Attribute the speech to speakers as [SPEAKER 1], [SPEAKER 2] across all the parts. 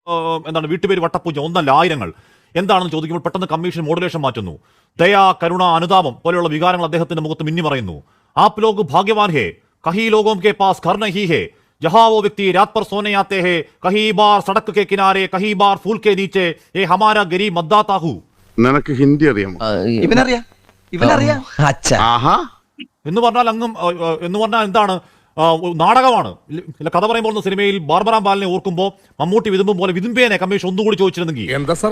[SPEAKER 1] എന്താണ് വീട്ടുപേര് വട്ടപ്പൂജ ഒന്നല്ല ആയിരങ്ങൾ എന്താണെന്ന് ചോദിക്കുമ്പോൾ പെട്ടെന്ന് കമ്മീഷൻ മോഡുലേഷൻ മാറ്റുന്നു. ദയ, കരുണ, അനുതാപം പോലെയുള്ള വികാരങ്ങൾ അദ്ദേഹത്തിന്റെ മുഖത്ത് മിന്നിമറയുന്നു. ആപ് ലോഗ് ഭാഗ്യവാൻ ഹേ, കഹി ലോഗോം കെ പാസ് ഘർ നഹീ ഹേ, जहां वो व्यक्ति रात पर सोने आते हैं, कहीं बार सड़क के किनारे, कहीं बार फूल के नीचे, ये हमारा गरीब मतदाता हूँ.
[SPEAKER 2] നിനക്ക് ഹിന്ദി അറിയാമോ?
[SPEAKER 1] എന്ന് പറഞ്ഞാൽ എന്താണ് നാടകമാണ്. കഥ പറയുമ്പോൾ സിനിമയിൽ ബാർബറാം ബാലിനെ ഓർക്കുമ്പോൾ മമ്മൂട്ടി വിതുമ്പും പോലെ വിതുമ്പേനെ കമ്മീഷൻ ഒന്നുകൂടി ചോദിച്ചിരുന്നെങ്കിൽ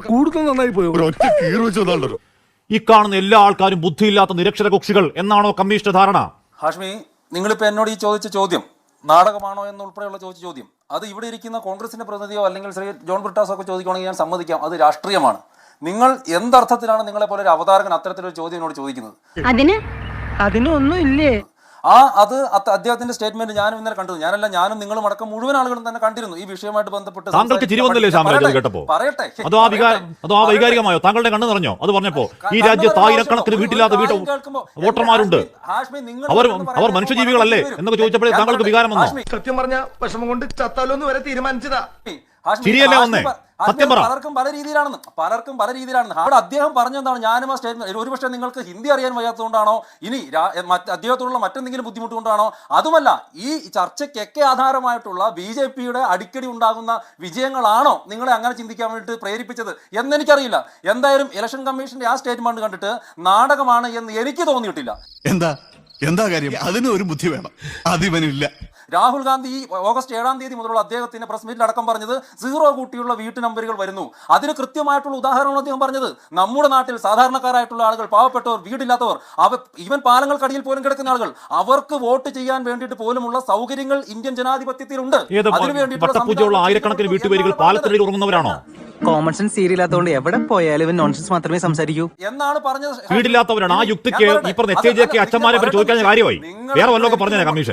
[SPEAKER 1] ഈ കാണുന്ന എല്ലാ ആൾക്കാരും ബുദ്ധിയില്ലാത്ത നിരക്ഷര കക്ഷികൾ എന്നാണോ കമ്മീഷന്റെ ധാരണ?
[SPEAKER 3] ഹാഷ്മി, നിങ്ങളിപ്പോ എന്നോട് ഈ ചോദിച്ച ചോദ്യം നാടകമാണോ എന്നുൾപ്പെടെയുള്ള ചോദിച്ച ചോദ്യം അത് ഇവിടെ ഇരിക്കുന്ന കോൺഗ്രസിന്റെ പ്രതിനിധിയോ അല്ലെങ്കിൽ ശ്രീ ജോൺ ബ്രിട്ടാസോ ഒക്കെ ചോദിക്കുകയാണെങ്കിൽ ഞാൻ സമ്മതിക്കാം, അത് രാഷ്ട്രീയമാണ്. നിങ്ങൾ എന്തർത്ഥത്തിലാണ് നിങ്ങളെ പോലെ ഒരു അവതാരകൻ അത്തരത്തിലൊരു ചോദ്യം എന്നോട് ചോദിക്കുന്നത്?
[SPEAKER 4] അതിനൊന്നും ഇല്ലേ?
[SPEAKER 3] അത് അദ്ദേഹത്തിന്റെ സ്റ്റേറ്റ്മെന്റ് ഞാനും ഇന്നലെ കണ്ടു. ഞാനും നിങ്ങളും അടക്കം മുഴുവൻ ആളുകളും തന്നെ കണ്ടിരുന്നു ഈ വിഷയമായിട്ട് ബന്ധപ്പെട്ട്.
[SPEAKER 1] താങ്കൾക്ക് ചിരി വന്നില്ലേ കേട്ടപ്പോ?
[SPEAKER 3] പറയട്ടെ,
[SPEAKER 1] അതോ ആ വൈകാരികമായോ? താങ്കളുടെ കണ്ണ് നിറഞ്ഞോ അത് പറഞ്ഞപ്പോ? ഈ രാജ്യത്ത് ആയിരക്കണക്കിന് വീട്ടില്ലാത്ത വോട്ടർമാരുണ്ട്, അവർ മനുഷ്യജീവികളല്ലേ എന്നൊക്കെ ചോദിച്ചപ്പോഴേ താങ്കൾക്ക് വികാരം വന്നോ?
[SPEAKER 5] സത്യം പറഞ്ഞ വിഷമം കൊണ്ട് ചത്താലോന്ന് വരെ തീരുമാനിച്ചതാ.
[SPEAKER 1] ശരിയല്ലേ വന്നേ?
[SPEAKER 3] പലർക്കും പല രീതിയിലാണെന്ന് അവിടെ അദ്ദേഹം പറഞ്ഞെന്താണ്? ഞാനും ആ സ്റ്റേറ്റ്മെന്റ് ഒരുപക്ഷെ നിങ്ങൾക്ക് ഹിന്ദി അറിയാൻ വയ്യാത്തതുകൊണ്ടാണോ, ഇനി അദ്ദേഹത്തോടുള്ള മറ്റെന്തെങ്കിലും ബുദ്ധിമുട്ട് കൊണ്ടാണോ, അതുമല്ല ഈ ചർച്ചയ്ക്കൊക്കെ ആധാരമായിട്ടുള്ള BJPയുടെ അടിക്കടി ഉണ്ടാകുന്ന വിജയങ്ങളാണോ നിങ്ങളെ അങ്ങനെ ചിന്തിക്കാൻ വേണ്ടിയിട്ട് പ്രേരിപ്പിച്ചത് എന്നെനിക്കറിയില്ല. എന്തായാലും ഇലക്ഷൻ കമ്മീഷന്റെ ആ സ്റ്റേറ്റ്മെന്റ് കണ്ടിട്ട് നാടകമാണ് എന്ന് എനിക്ക് തോന്നിയിട്ടില്ല.
[SPEAKER 6] എന്താ കാര്യം? അതിന് ഒരു ബുദ്ധി വേണം, അതിവനില്ല.
[SPEAKER 3] രാഹുൽ ഗാന്ധി ഈ ഓഗസ്റ്റ് 7-ാം തീയതി മുതലുള്ള അദ്ദേഹത്തിന്റെ പ്രസ് മീറ്റിൽ അടക്കം പറഞ്ഞത് 0 കൂട്ടിയുള്ള വീട്ടു നമ്പറുകൾ വരുന്നു. അതിന് കൃത്യമായിട്ടുള്ള ഉദാഹരണമാണ് അദ്ദേഹം പറഞ്ഞത്. നമ്മുടെ നാട്ടിൽ സാധാരണക്കാരായിട്ടുള്ള ആളുകൾ, പാവപ്പെട്ടവർ, വീടില്ലാത്തവർ, ഈവൻ പാലങ്ങൾക്കടിയിൽ പോലും കിടക്കുന്ന ആളുകൾ, അവർക്ക് വോട്ട് ചെയ്യാൻ വേണ്ടിയിട്ട് പോലുമുള്ള സൗകര്യങ്ങൾ ഇന്ത്യൻ ജനാധിപത്യത്തിലുണ്ട്.
[SPEAKER 1] അതിനുവേണ്ടിയിട്ടുള്ള ആയിരക്കണക്കിന് വീട്ടുപേരുകൾ പാലത്തടിയിൽ ഉറങ്ങുന്നവരാണോ?
[SPEAKER 4] കോമൺ സെൻസ് സീരിയലാത്തോണ്ട് എവിടെ പോയാലും ഇവൻ നോൺസെൻസ് മാത്രമേ സംസാരിക്കൂ
[SPEAKER 3] എന്നാണ് പറഞ്ഞത്.
[SPEAKER 1] വീടില്ലാത്തവരാണ്. ആ യുക്തിക്ക് ഈ പറഞ്ഞ അച്ഛന്മാരെ പറ്റി ചോദിക്കാൻ കാര്യമായി. വേറെ വല്ലതൊക്കെ പറഞ്ഞേ കമ്മീഷൻ.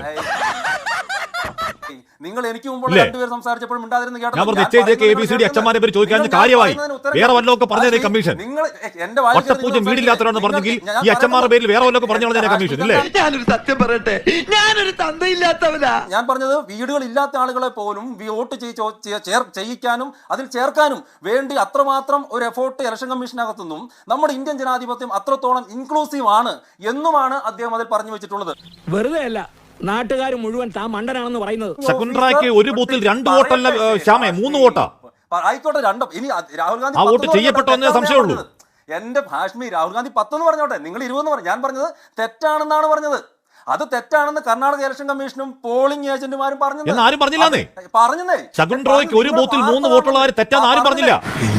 [SPEAKER 3] നിങ്ങൾ എനിക്ക് മുമ്പ് രണ്ടുപേർ സംസാരിച്ചപ്പോഴും മിണ്ടാതിരുന്ന് കേട്ടോ.
[SPEAKER 1] അച്ഛന്മാരെ പറ്റി ചോദിക്കാൻ കാര്യമായി. വേറെ വല്ലതൊക്കെ പറഞ്ഞേ കമ്മീഷൻ. ഒറ്റപ്പൂജ്യം വീടില്ലാത്തവരാണെന്ന് പറഞ്ഞെങ്കിൽ ഈ അച്ഛന്മാരുടെ പേരിൽ വേറെ വല്ലതൊക്കെ പറഞ്ഞു കമ്മീഷൻ ഇല്ലേ?
[SPEAKER 5] ഞാനൊരു സത്യം പറയട്ടെ, ഞാനൊരു തന്തയില്ലാത്തവനാ.
[SPEAKER 3] ഞാൻ പറഞ്ഞത് വീടുകൾ ഇല്ലാത്ത ആളുകളെ പോലും വോട്ട് ചെയ്യിക്കാനും അതിൽ ചേർക്കാനും വേണ്ടി അത്രമാത്രം ഒരു എഫോർട്ട് ഇലക്ഷൻ കമ്മീഷനകത്തുനിന്നും നമ്മുടെ ഇന്ത്യൻ ജനാധിപത്യം അത്രത്തോളം ഇൻക്ലൂസീവ് ആണ് എന്നുമാണ് അദ്ദേഹം അതിൽ പറഞ്ഞു വെച്ചിട്ടുള്ളത്.
[SPEAKER 7] വെറുതെ അല്ല, നാട്ടുകാർ മുഴുവൻ താൻ മണ്ടനാണെന്ന് പറയുന്നത്.
[SPEAKER 1] ശകുന്തളയ്ക്ക് ഒരു ബൂത്തിൽ 2 വോട്ടല്ല ശ്യാമേ, 3 വോട്ടാ.
[SPEAKER 3] ആയിക്കോട്ടെ, 2. ഇനി രാഹുൽ ഗാന്ധി
[SPEAKER 1] ആ വോട്ട് ചെയ്യപ്പെട്ടോ എന്നേ സംശയമുള്ളൂ.
[SPEAKER 3] എന്റെ ഹാഷ്മി, രാഹുൽ ഗാന്ധി 10 എന്ന് പറഞ്ഞോട്ടെ, നിങ്ങൾ 20 പറഞ്ഞു. ഞാൻ പറഞ്ഞത് തെറ്റാണെന്നാണ് പറഞ്ഞത്. അത് തെറ്റാണെന്ന് കർണാടക ഇലക്ഷൻ കമ്മീഷനും പോളിംഗ് ഏജന്റുമാരും പറഞ്ഞു.
[SPEAKER 1] ആരും പറഞ്ഞില്ലേ?
[SPEAKER 3] പറഞ്ഞേ
[SPEAKER 1] ശകുന്തളയ്ക്ക് ഒരു ബൂത്തിൽ 3 വോട്ടുള്ള കാര്യം തെറ്റാന്ന് ആരും പറഞ്ഞില്ല.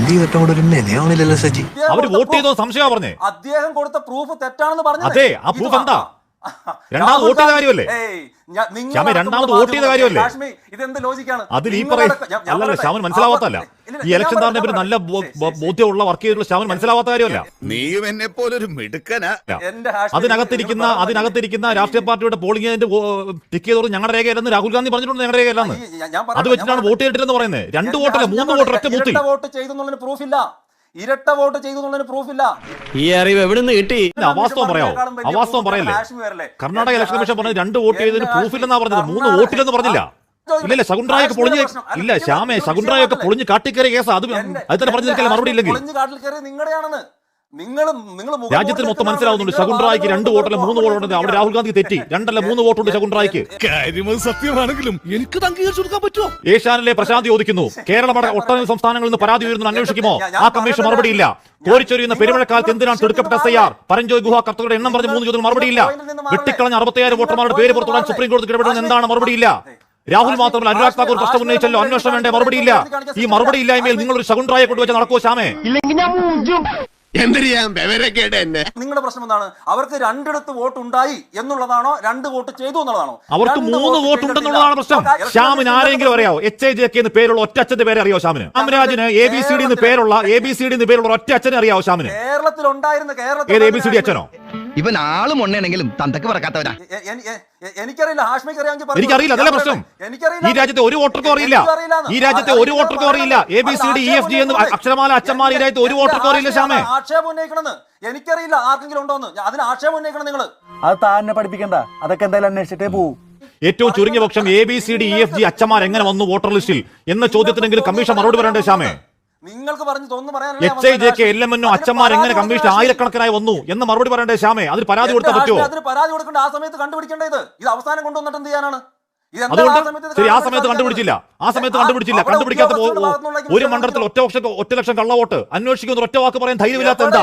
[SPEAKER 1] അവര് വോട്ട് ചെയ്തോ സംശയമാ പറഞ്ഞേ.
[SPEAKER 3] അദ്ദേഹം കൊടുത്ത പ്രൂഫ് തെറ്റാണെന്ന് പറഞ്ഞു.
[SPEAKER 1] അതെ, ആ പ്രൂഫ് എന്താ? രണ്ടാമത് വോട്ട് ചെയ്ത കാര്യമല്ലേ? രണ്ടാമത് വോട്ട് ചെയ്ത കാര്യമല്ലേ?
[SPEAKER 3] ഇതെന്ത് ലോജിക്കാണ്?
[SPEAKER 1] അതിൽ ഈ അല്ലല്ല, ശ്യാമൻ മനസ്സിലാവാത്തല്ല. ഈ ഇലക്ഷൻ താറിനെ പറ്റി നല്ല ബോധ്യമുള്ള വർക്ക് ചെയ്തിട്ടുള്ള ശ്യാമൻ മനസ്സിലാവാത്ത കാര്യമല്ല.
[SPEAKER 6] നീയും എന്നെ പോലൊരു മിടുക്കനാ.
[SPEAKER 1] അതിനകത്തിരിക്കുന്ന രാഷ്ട്രീയ പാർട്ടിയുടെ പോളിംഗ് ഏജന്റ് ടിക്ക് ചെയ്തോട് ഞങ്ങളുടെ രേഖയല്ലെന്ന് രാഹുൽ ഗാന്ധി പറഞ്ഞിട്ടുണ്ട്. ഞങ്ങളുടെ രേഖയല്ലെന്ന് അത് വെച്ചിട്ടാണ് വോട്ട് ചെയ്തിട്ടില്ലെന്ന് പറയുന്നത്. 2 വോട്ടല്ല 3 വോട്ട് ഒറ്റ ബൂത്തിൽ.
[SPEAKER 3] വോട്ട് ചെയ്തെന്നുള്ളതിന് പ്രൂഫില്ല. ഇരട്ട വോട്ട് ചെയ്തെന്നുള്ളതിന് പ്രൂഫില്ല.
[SPEAKER 7] ഈ അറിവ് എവിടെ നിന്ന് കിട്ടി?
[SPEAKER 1] അവാസ്തവം പറയാമോ? അവാസ്തവം പറയല്ലേ? കർണാടക ഇലക്ഷൻ കമ്മീഷൻ പറഞ്ഞത് 2 വോട്ട് ചെയ്തതിന് പ്രൂഫില്ലെന്നാ പറഞ്ഞത്. 3 വോട്ടില്ലെന്ന് പറഞ്ഞില്ല. ഇല്ലല്ല, ശകുന്തളയൊക്കെ പൊളിഞ്ഞ് ഇല്ല ശ്യാമേ, ശകുന്തളയൊക്കെ പൊളിഞ്ഞ് കാട്ടിക്കയറിയ കേസാ. അത് തന്നെ പറഞ്ഞു നിൽക്കല്ലേ മറുപടി ഇല്ലെങ്കിൽ. രാജ്യത്തിന് മൊത്തം മനസ്സിലാവുന്നുണ്ട് ശകുന്തളയ്ക്ക് 2 വോട്ടല്ല 3 വോട്ടുണ്ട്. അവിടെ രാഹുൽ ഗാന്ധി തെറ്റി. 2 അല്ല 3 വോട്ടുണ്ട് ശകുന്തളയ്ക്ക്.
[SPEAKER 6] സത്യമാണെങ്കിലും എനിക്ക് അംഗീകരിച്ചു കൊടുക്കാൻ പറ്റുമോ?
[SPEAKER 1] ഏഷ്യാനിലെ പ്രശാന്തി ചോദിക്കുന്നു, കേരളമടക്കം ഒട്ടനവധി സംസ്ഥാനങ്ങളിൽ നിന്ന് പരാതി ഉയരുന്നു, അന്വേഷിക്കുമോ? ആ കമ്മീഷൻ മറുപടിയില്ല. കോരിച്ചൊരിയുന്ന പെരുമഴക്കാലത്ത് എന്തിനാണ് തിടുക്കപ്പെട്ട SIR? പരഞ്ചോയ് ഗുഹ കർത്തകളുടെ എണ്ണം പറഞ്ഞ് 3 ചോദ്യം മറുപടിയില്ല. വെട്ടിക്കളഞ്ഞ 65,000 വോട്ടർമാരുടെ പേര് പുറത്തുവിടാൻ സുപ്രീം കോടതി ഇടപെടുന്നത് എന്താണ്? മറുപടിയില്ല. രാഹുൽ മാത്രമല്ല, അനുരാഗ് താക്കൂർ പ്രശ്നം ഉന്നയിച്ചല്ലോ, അന്വേഷണം വേണ്ടേ? മറുപടിയില്ല. ഈ മറുപടി ഇല്ലായ്മയിൽ നിങ്ങളൊരു ശകുന്തളയെ കൊണ്ടുവച്ച് നടക്കുമോ ശ്യാമേ?
[SPEAKER 3] നിങ്ങളുടെ പ്രശ്നം എന്താണ്? അവർക്ക് 2 വോട്ട് ഉണ്ടായി എന്നുള്ളതാണോ, 2 വോട്ട് ചെയ്തു എന്നുള്ളതാണോ?
[SPEAKER 1] അവർക്ക് 3 വോട്ട് ഉണ്ടെന്നുള്ളതാണ് പ്രശ്നം. ശ്യാമിന് ആരെങ്കിലും അറിയാവോ? HAJK എന്ന് പേരുള്ള ഒറ്റ അച്ഛന്റെ പേരെ അറിയാവോ ശ്യാമിന്? രാമരാജിന് ABCD എന്ന് പേരുള്ള ഒറ്റ അച്ഛനെ അറിയാവോ ശ്യാമിന്?
[SPEAKER 3] കേരളത്തിൽ ഉണ്ടായിരുന്ന
[SPEAKER 1] ഏത് ABCD അച്ഛനോ?
[SPEAKER 8] ഇവൻ ആളും ഉണ്ടെങ്കിലും തന്തക്ക് പറക്കാത്തവരാ.
[SPEAKER 3] എനിക്കറിയില്ല, ഹാഷ്മിക്ക് അറിയാമെങ്കിൽ
[SPEAKER 1] എനിക്കറിയില്ല. അതല്ല പ്രശ്നം. ഈ രാജ്യത്തെ ഒരു വോട്ടർക്കും അറിയില്ല. ABCD EFG എന്ന് അക്ഷരമാല അച്ഛന്മാർ ഈ രാജ്യത്തെ ഒരു വോട്ടർക്കും അറിയില്ല ശ്യാമേ.
[SPEAKER 3] ആക്ഷേപം ഉന്നയിക്കണമെന്ന് എനിക്കറിയില്ല. ആർക്കെങ്കിലും ഉണ്ടോന്ന് അതിന് ആക്ഷേപം ഉന്നയിക്കണം നിങ്ങൾ.
[SPEAKER 9] അത് താന്നെ പഠിപ്പിക്കണ്ട. അതൊക്കെ എന്തായാലും അന്വേഷിച്ചിട്ടേ പോവും.
[SPEAKER 1] ഏറ്റവും ചുരുങ്ങിയ പക്ഷം ABCDEFG അച്ഛന്മാർ എങ്ങനെ വന്നു വോട്ടർ ലിസ്റ്റിൽ എന്ന ചോദ്യത്തിനെങ്കിലും കമ്മീഷൻ മറുപടി പറയണ്ടേ ശ്യാമേ?
[SPEAKER 3] നിങ്ങൾക്ക് പറഞ്ഞു തോന്നുന്നു
[SPEAKER 1] HIJK LMNO അച്ഛന്മാർ എങ്ങനെ കമ്മീഷൻ ആയിരക്കണക്കിനായി വന്നു എന്ന് മറുപടി പറയണ്ടേ ശ്യാമേ? അതിന് പരാതി കൊടുത്താൽ പറ്റുമോ?
[SPEAKER 3] അതിന് പരാതി കൊടുക്കേണ്ട ആ സമയത്ത് കണ്ടുപിടിക്കേണ്ടത് ഇത് അവസാനം കൊണ്ടുവന്നിട്ട് എന്ത് ചെയ്യാനാണ്?
[SPEAKER 1] അതുകൊണ്ട് ശരി, ആ സമയത്ത് കണ്ടുപിടിച്ചില്ല. കണ്ടുപിടിക്കാത്ത ഒരു മണ്ഡലത്തിൽ ഒറ്റ ലക്ഷം കള്ളവോട്ട് അന്വേഷിക്കുന്ന ഒറ്റ വാക്ക് പറയാൻ ധൈര്യമില്ലാത്ത എന്താ?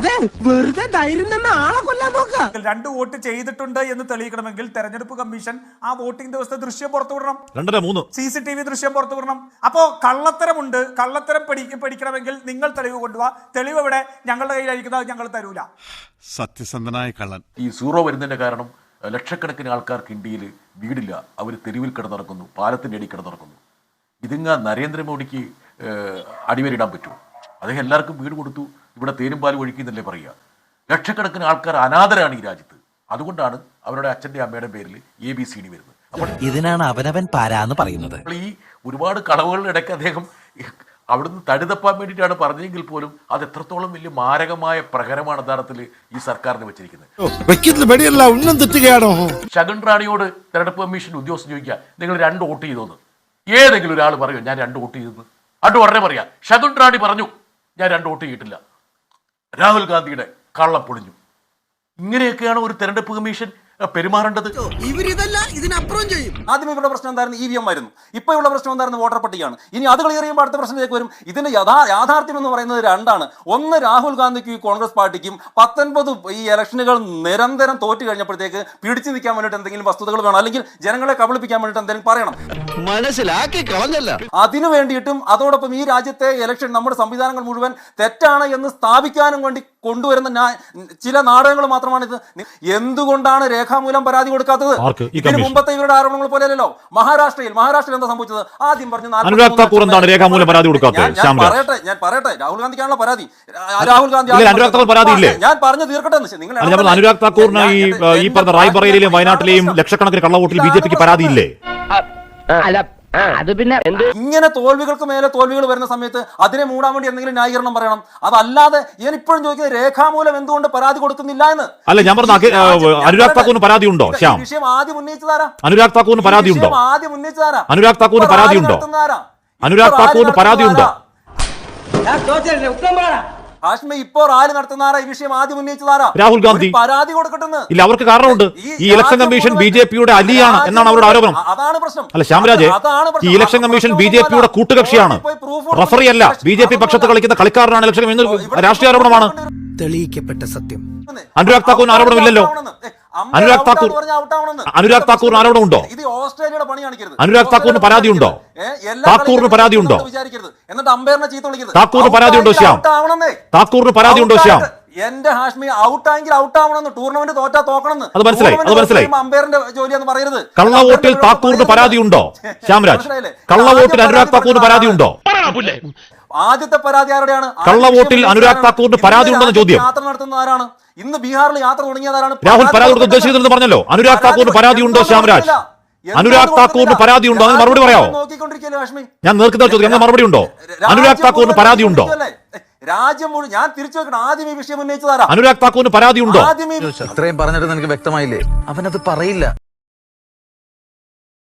[SPEAKER 2] രണ്ട് വോട്ട് ചെയ്തിട്ടുണ്ട് എന്ന് തെളിയിക്കണമെങ്കിൽ തെരഞ്ഞെടുപ്പ് കമ്മീഷൻ ആ വോട്ടിംഗ് ദിവസത്തെ ദൃശ്യം പുറത്തുവിടണം.
[SPEAKER 1] 2-3
[SPEAKER 2] CCTV ദൃശ്യം പുറത്തുവിടണം. അപ്പോ കള്ളത്തരമുണ്ട്. കള്ളത്തരം പഠിക്കണമെങ്കിൽ നിങ്ങൾ തെളിവ് കൊണ്ടുപോവാ. തെളിവ് എവിടെ? ഞങ്ങളുടെ കയ്യിലായിരിക്കുന്നത് ഞങ്ങൾ തരൂല.
[SPEAKER 6] സത്യസന്ധനായ കള്ളൻ.
[SPEAKER 9] ഈ സീറോ വരുന്നതിന്റെ കാരണം ലക്ഷക്കണക്കിന് ആൾക്കാർക്ക് ഇന്ത്യയിൽ വീടില്ല. അവർ തെരുവിൽ കിടന്നിറക്കുന്നു, പാലത്തിൻ്റെ അടി കിടന്നിറക്കുന്നു. ഇതിങ്ങ നരേന്ദ്രമോദിക്ക് അടിവരിടാൻ പറ്റുമോ? അദ്ദേഹം എല്ലാവർക്കും വീട് കൊടുത്തു, ഇവിടെ തേനും പാലും ഒഴുക്കിയെന്നല്ലേ പറയുക. ലക്ഷക്കണക്കിന് ആൾക്കാർ അനാഥരാണ് ഈ രാജ്യത്ത്. അതുകൊണ്ടാണ് അവരുടെ അച്ഛൻ്റെ അമ്മയുടെ പേരിൽ ABCD വരുന്നത്. അപ്പോൾ
[SPEAKER 4] ഇതിനാണ് അവനവൻ പാരാന്ന് പറയുന്നത്.
[SPEAKER 9] ഈ ഒരുപാട് കളവുകളുടെ ഇടയ്ക്ക് അദ്ദേഹം അവിടുന്ന് തടിതപ്പാൻ വേണ്ടിയിട്ടാണ് പറഞ്ഞെങ്കിൽ പോലും അത് എത്രത്തോളം വലിയ മാരകമായ പ്രഹരമാണ് യഥാർത്ഥത്തിൽ ഈ സർക്കാരിന് വെച്ചിരിക്കുന്നത്. ശകുൻ റാണിയോട് തെരഞ്ഞെടുപ്പ് കമ്മീഷൻ ഉദ്യോഗസ്ഥൻ ചോദിക്കുക, നിങ്ങൾ 2 വോട്ട് ചെയ്തോന്ന്. ഏതെങ്കിലും ഒരാൾ പറയോ ഞാൻ 2 വോട്ട് ചെയ്തെന്ന്? അത് ഉടനെ പറയാം, ശകുൻ റാണി പറഞ്ഞു ഞാൻ 2 വോട്ട് ചെയ്തിട്ടില്ല. രാഹുൽ ഗാന്ധിയുടെ കള്ളം പൊളിഞ്ഞു. ഇങ്ങനെയൊക്കെയാണ് ഒരു തെരഞ്ഞെടുപ്പ് കമ്മീഷൻ പെരുമാറേണ്ടത്.
[SPEAKER 3] ആദ്യം ഇവിടെ പ്രശ്നം എന്തായിരുന്നു? EVM ആയിരുന്നു. ഇപ്പൊ ഉള്ള പ്രശ്നം എന്തായിരുന്നു? വോട്ടർ പട്ടികയാണ്. ഇനി അത് ക്ലിയർ ചെയ്യുമ്പോൾ അടുത്ത പ്രശ്നത്തിലേക്ക് വരും. ഇതിന്റെ യാഥാർത്ഥ്യം എന്ന് പറയുന്നത് 2 ഒന്ന്, രാഹുൽ ഗാന്ധിക്കും കോൺഗ്രസ് പാർട്ടിക്കും 19 ഈ ഇലക്ഷനുകൾ നിരന്തരം തോറ്റു കഴിഞ്ഞപ്പോഴത്തേക്ക് പിടിച്ചു നിൽക്കാൻ വേണ്ടിയിട്ട് എന്തെങ്കിലും വസ്തുതകൾ വേണം, അല്ലെങ്കിൽ ജനങ്ങളെ കബളിപ്പിക്കാൻ വേണ്ടിയിട്ട് എന്തെങ്കിലും പറയണം.
[SPEAKER 5] മനസ്സിലാക്കി കളഞ്ഞല്ല.
[SPEAKER 3] അതിനു വേണ്ടിയിട്ടും അതോടൊപ്പം ഈ രാജ്യത്തെ ഇലക്ഷൻ നമ്മുടെ സംവിധാനങ്ങൾ മുഴുവൻ തെറ്റാണ് എന്ന് സ്ഥാപിക്കാനും വേണ്ടി കൊണ്ടുവരുന്ന ചില നാടകങ്ങൾ മാത്രമാണിത്. എന്തുകൊണ്ടാണ് രേഖാമൂലം പരാതി കൊടുക്കാത്തത്? ഇതിന് മുമ്പത്തെ ഇവരുടെ ആരോപണങ്ങൾ പോലെയല്ലോ. മഹാരാഷ്ട്രയിൽ എന്താ സംഭവിച്ചത്? ആദ്യം പറഞ്ഞു
[SPEAKER 1] അനുരാഗ് താക്കൂർ എന്താണ് രേഖാമൂലം പരാതി കൊടുക്കാത്തത്?
[SPEAKER 3] ഞാൻ പറയട്ടെ, രാഹുൽ ഗാന്ധിക്കാണല്ലോ പരാതി. രാഹുൽ ഗാന്ധി
[SPEAKER 1] അനുരാഗ് താക്കൂർ പരാതിയില്ലേ?
[SPEAKER 3] ഞാൻ പറഞ്ഞു തീർക്കട്ടെ. നിങ്ങൾ
[SPEAKER 1] അനുരാഗ് താക്കൂറിന് ഈ പറഞ്ഞ റായ്ബറേലിയിലെയും വയനാട്ടിലെയും ലക്ഷക്കണക്കിന് കള്ളവോട്ടിൽ BJPക്ക് പരാതിയില്ലേ?
[SPEAKER 7] അത് പിന്നെ
[SPEAKER 3] ഇങ്ങനെ തോൽവികൾക്ക് മേലെ തോൽവികൾ വരുന്ന സമയത്ത് അതിനെ മൂടാൻ വേണ്ടി എന്തെങ്കിലും ന്യായീകരണം പറയണം. അതല്ലാതെ ഞാൻ ഇപ്പോഴും ചോദിക്കുന്നത് രേഖാമൂലം എന്തുകൊണ്ട് പരാതി കൊടുക്കുന്നില്ല എന്ന്.
[SPEAKER 1] അല്ല, ഞാൻ പറഞ്ഞ അനുരാഗ് താക്കൂറിന് പരാതി ഉണ്ടോ? ശ്യാം,
[SPEAKER 3] വിഷയം ആദ്യം ഉന്നയിച്ചതാരാ?
[SPEAKER 1] അനുരാഗ് താക്കൂറിന് പരാതി ഉണ്ടോ?
[SPEAKER 3] ആദ്യം ഉന്നയിച്ചതാരാ?
[SPEAKER 1] അനുരാഗ് താക്കൂറിന് പരാതി ഉണ്ടോ? അനുരാഗ് താക്കൂറിന് പരാതി ഉണ്ടോ?
[SPEAKER 3] ഹാഷ്മി, ഇപ്പോ റാലി നടത്തുന്നാരാ? ഈ വിഷയം ആദ്യം ഉന്നയിച്ചതാരാ?
[SPEAKER 1] രാഹുൽ ഗാന്ധി.
[SPEAKER 3] പരാതി കൊടുക്കട്ടെന്ന്.
[SPEAKER 1] ഇല്ല, അവർക്ക് കാരണമുണ്ട്. ഈ ഇലക്ഷൻ കമ്മീഷൻ BJPയുടെ അലിയാണ് എന്നാണ് അവരുടെ ആരോപണം.
[SPEAKER 3] അതാണ് പ്രശ്നം.
[SPEAKER 1] അല്ല ശ്യാംരാജ്, ഈ ഇലക്ഷൻ കമ്മീഷൻ BJPയുടെ കൂട്ടുകക്ഷിയാണ്, റഫറി അല്ല. BJP പക്ഷത്ത് കളിക്കുന്ന കളിക്കാരനാണ് ഇലക്ഷൻ എന്ന് രാഷ്ട്രീയ ആരോപണമാണ്.
[SPEAKER 4] തെളിയിക്കപ്പെട്ട സത്യം.
[SPEAKER 1] അനുരാഗ് താക്കൂറിന് ആരോപണമില്ലല്ലോ. അനുരാഗ് താക്കൂറിന് ആരോപണമുണ്ടോ?
[SPEAKER 3] ഇത് ഓസ്ട്രേലിയയുടെ പണി കാണിക്കരുത്.
[SPEAKER 1] അനുരാഗ് താക്കൂറിന് പരാതിയുണ്ടോ? താക്കൂറിന് പരാതിയുണ്ടോ?
[SPEAKER 3] എന്നിട്ട് അമ്പയറിനെ ചീത്ത വിളിക്കരുത്.
[SPEAKER 1] താക്കൂറിന് പരാതിയുണ്ടോ ശ്യാം? താക്കൂറിന് പരാതിയുണ്ടോ ശ്യാം?
[SPEAKER 3] എന്റെ ഹാഷ്മി, ഔട്ടായെങ്കിൽ ഔട്ട് ആവണമെന്ന്, ടൂർണമെന്റ് തോറ്റാ തോക്കണമെന്ന്.
[SPEAKER 1] അത് മനസ്സിലായി.
[SPEAKER 3] അമ്പയറിന്റെ ജോലിയെന്ന് പറയരുത്.
[SPEAKER 1] കള്ളവോട്ടിൽ താക്കൂറിന് പരാതിയുണ്ടോ ശ്യാംരാജ്? കള്ളവോട്ടിൽ അനുരാഗ് താക്കൂറിന് പരാതിയുണ്ടോ?
[SPEAKER 3] ആദ്യത്തെ പരാതി ആരുടെയാണ്?
[SPEAKER 1] കള്ളവോട്ടിൽ അനുരാഗ് താക്കൂറിന് പരാതി ഉണ്ടെന്ന ചോദ്യം.
[SPEAKER 3] യാത്ര നടത്തുന്ന ആരാണ്? ഇന്ന് ബീഹാറിൽ യാത്ര തുടങ്ങിയതാരാണ്?
[SPEAKER 1] രാഹുൽ പരാതി കൊടുത്ത് ഉദ്ദേശിച്ചതെന്ന് പറഞ്ഞല്ലോ. അനുരാഗ് താക്കൂറിന് പരാതി ഉണ്ടോ ശ്യാംരാജ്? അനുരാഗ് താക്കൂറിന് പരാതി ഉണ്ടോ? അതിന് മറുപടി പറയാമോ? ഞാൻ നേർക്കുന്ന ചോദ്യം മറുപടി ഉണ്ടോ? അനുരാഗ് താക്കൂറിന് പരാതി ഉണ്ടോ?
[SPEAKER 3] രാജ്യം മുഴുവൻ ഞാൻ തിരിച്ചു വെക്കണം. ആദ്യം ഈ വിഷയം ഉന്നയിച്ചതാരാ?
[SPEAKER 1] അനുരാഗ് താക്കൂറിന് പരാതി ഉണ്ടോ?
[SPEAKER 4] ഇത്രയും പറഞ്ഞിട്ട് നിനക്ക് വ്യക്തമായില്ലേ? അവനത് പറയില്ല.